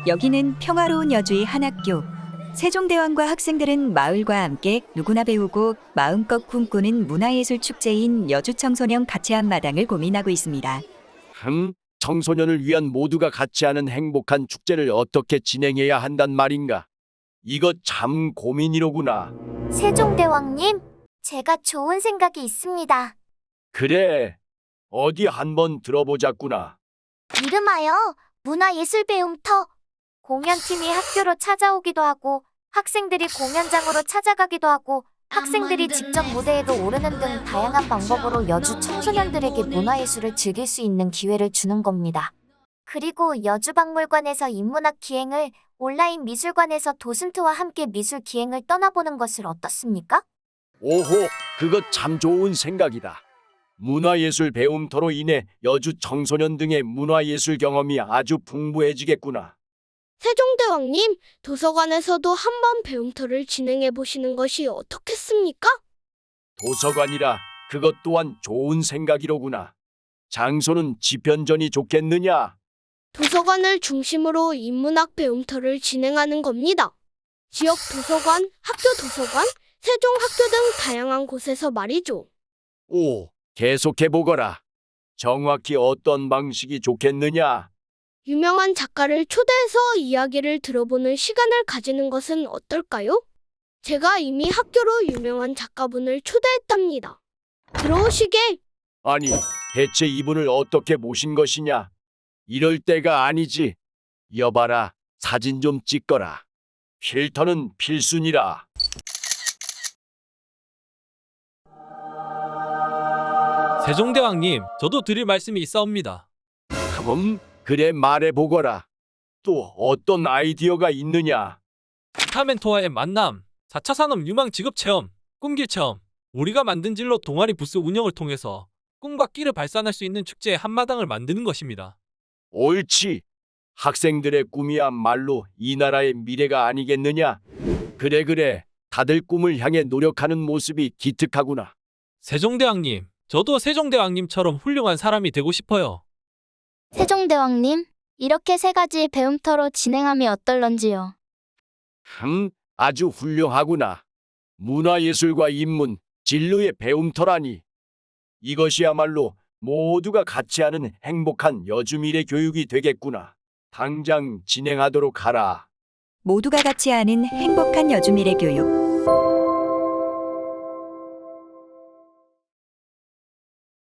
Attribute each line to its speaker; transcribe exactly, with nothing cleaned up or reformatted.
Speaker 1: 여기는 평화로운 여주의 한 학교. 세종대왕과 학생들은 마을과 함께 누구나 배우고 마음껏 꿈꾸는 문화예술 축제인 여주 청소년 같이 한마당을 고민하고 있습니다.
Speaker 2: 흠, 청소년을 위한 모두가 같이 하는 행복한 축제를 어떻게 진행해야 한단 말인가? 이거 참 고민이로구나.
Speaker 3: 세종대왕님, 제가 좋은 생각이 있습니다.
Speaker 2: 그래, 어디 한번 들어보자꾸나.
Speaker 3: 이름하여 문화예술 배움터. 공연팀이 학교로 찾아오기도 하고 학생들이 공연장으로 찾아가기도 하고 학생들이 직접 무대에도 오르는 등 다양한 방법으로 여주 청소년들에게 문화예술을 즐길 수 있는 기회를 주는 겁니다. 그리고 여주박물관에서 인문학 기행을, 온라인 미술관에서 도슨트와 함께 미술 기행을 떠나보는 것을 어떻습니까?
Speaker 2: 오호, 그거 참 좋은 생각이다. 문화예술 배움터로 인해 여주 청소년 등의 문화예술 경험이 아주 풍부해지겠구나.
Speaker 4: 세종대왕님, 도서관에서도 한번 배움터를 진행해 보시는 것이 어떻겠습니까?
Speaker 2: 도서관이라 그것 또한 좋은 생각이로구나. 장소는 집현전이 좋겠느냐?
Speaker 4: 도서관을 중심으로 인문학 배움터를 진행하는 겁니다. 지역 도서관, 학교 도서관, 세종학교 등 다양한 곳에서 말이죠.
Speaker 2: 오, 계속해보거라. 정확히 어떤 방식이 좋겠느냐?
Speaker 4: 유명한 작가를 초대해서 이야기를 들어보는 시간을 가지는 것은 어떨까요? 제가 이미 학교로 유명한 작가분을 초대했답니다. 들어오시게.
Speaker 2: 아니, 대체 이분을 어떻게 모신 것이냐? 이럴 때가 아니지. 여봐라, 사진 좀 찍거라. 필터는 필순이라.
Speaker 5: 세종대왕님, 저도 드릴 말씀이 있사옵니다.
Speaker 2: 그럼 그래 말해보거라. 또 어떤 아이디어가 있느냐?
Speaker 5: 타멘토와의 만남, 사 차 산업 유망 직업 체험, 꿈길 체험. 우리가 만든 진로 동아리 부스 운영을 통해서 꿈과 끼를 발산할 수 있는 축제의 한마당을 만드는 것입니다.
Speaker 2: 옳지. 학생들의 꿈이야말로 이 나라의 미래가 아니겠느냐? 그래 그래. 다들 꿈을 향해 노력하는 모습이 기특하구나.
Speaker 5: 세종대왕님, 저도 세종대왕님처럼 훌륭한 사람이 되고 싶어요.
Speaker 3: 세종대왕님, 이렇게 세 가지 배움터로 진행하면 어떨런지요?
Speaker 2: 흠, 아주 훌륭하구나. 문화예술과 인문, 진로의 배움터라니. 이것이야말로 모두가 같이 하는 행복한 여주미래 교육이 되겠구나. 당장 진행하도록 하라.
Speaker 1: 모두가 같이 하는 행복한 여주미래 교육.